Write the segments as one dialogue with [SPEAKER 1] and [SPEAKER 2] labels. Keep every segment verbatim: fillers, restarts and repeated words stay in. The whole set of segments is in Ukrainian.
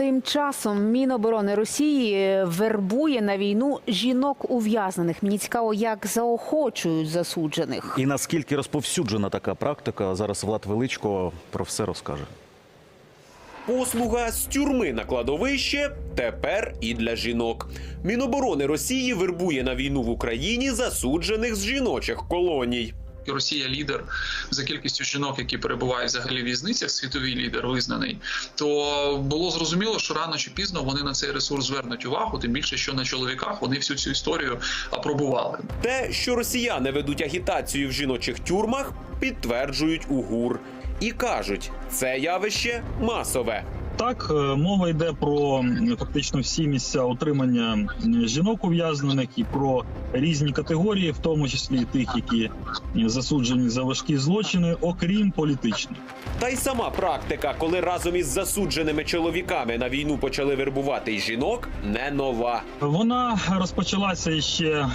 [SPEAKER 1] Тим часом Міноборони Росії вербує на війну жінок ув'язнених. Мені цікаво, як заохочують засуджених.
[SPEAKER 2] І наскільки розповсюджена така практика, зараз Влад Величко про все розкаже.
[SPEAKER 3] Послуга з тюрми на кладовище тепер і для жінок. Міноборони Росії вербує на війну в Україні засуджених з жіночих колоній.
[SPEAKER 4] Росія лідер за кількістю жінок, які перебувають взагалі в в'язницях, світовий лідер визнаний, то було зрозуміло, що рано чи пізно вони на цей ресурс звернуть увагу, тим більше, що на чоловіках вони всю цю історію апробували.
[SPEAKER 3] Те, що росіяни ведуть агітацію в жіночих тюрмах, підтверджують УГУР. І кажуть, це явище масове.
[SPEAKER 5] Так, мова йде про фактично всі місця утримання жінок ув'язнених і про різні категорії, в тому числі тих, які засуджені за важкі злочини, окрім політичних.
[SPEAKER 3] Та й сама практика, коли разом із засудженими чоловіками на війну почали вербувати й жінок, не нова.
[SPEAKER 5] Вона розпочалася ще е,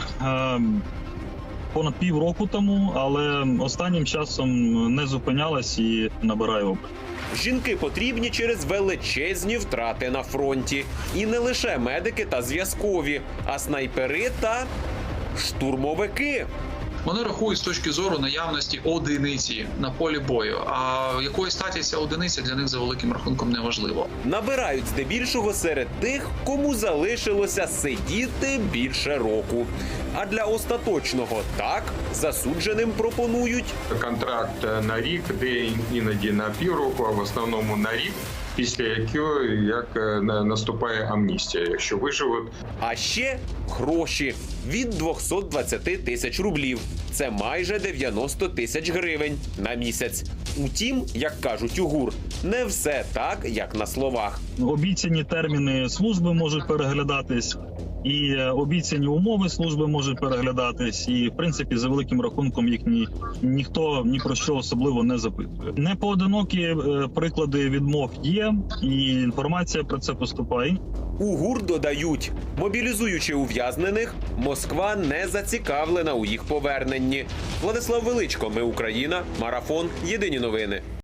[SPEAKER 5] понад півроку тому, але останнім часом не зупинялась і набирає оберт.
[SPEAKER 3] Жінки потрібні через величезні втрати на фронті. І не лише медики та зв'язкові, а снайпери та штурмовики.
[SPEAKER 4] Вони рахують з точки зору наявності одиниці на полі бою, а якої статі ця одиниця для них за великим рахунком не важливо.
[SPEAKER 3] Набирають здебільшого серед тих, кому залишилося сидіти більше року. А для остаточного так засудженим пропонують
[SPEAKER 6] контракт на рік, де іноді на півроку, а в основному на рік, після якого як наступає амністія, якщо виживуть.
[SPEAKER 3] А ще гроші від двохсот двадцяти тисяч рублів. Це майже дев'яносто тисяч гривень на місяць. Утім, як кажуть УГУР, не все так, як на словах.
[SPEAKER 5] Обіцяні терміни служби можуть переглядатись, і обіцяні умови служби можуть переглядатись, і, в принципі, за великим рахунком їх ні, ніхто ні про що особливо не запитує. Непоодинокі е, приклади відмов є, і інформація про це поступає.
[SPEAKER 3] УГУР додають, мобілізуючи ув'язнених, Москва не зацікавлена у їх поверненні. Владислав Величко, Ми Україна, Марафон, Єдині новини.